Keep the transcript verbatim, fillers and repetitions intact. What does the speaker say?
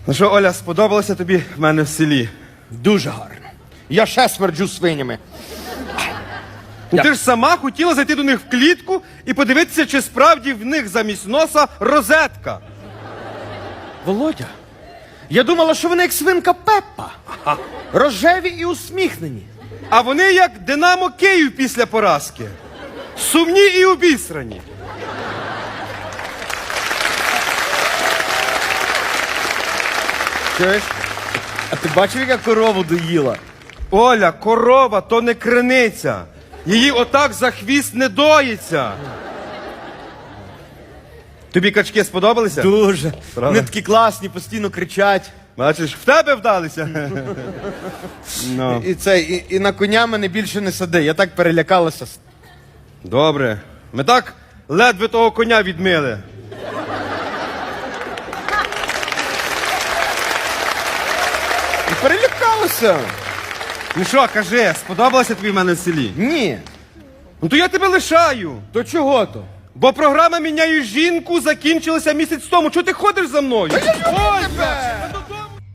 Ну що, Оля, сподобалося тобі в мене в селі? Дуже гарно. Я ще смерджу свинями. Ну, ти ж сама хотіла зайти до них в клітку і подивитися, чи справді в них замість носа розетка. Володя, я думала, що вони як свинка Пеппа. Рожеві і усміхнені. А вони як Динамо Київ після поразки. Сумні і обісрані. Чуєш? А ти бачив, яка корову доїла? Оля, корова то не криниця. Її отак за хвіст не доїться. Тобі качки сподобалися? Дуже. Правда? Вони такі класні, постійно кричать. Бачиш, в тебе вдалися. Ну. І, це, і, і на коня мене більше не сади. Я так перелякалася. Добре. Ми так ледве того коня відмили. І перелякалася. Ну що, кажи, сподобалося тобі в мене в селі? Ні. Ну то я тебе лишаю. То чого то? Бо програма «Міняю жінку» закінчилася місяць тому. Чого ти ходиш за мною? Ой,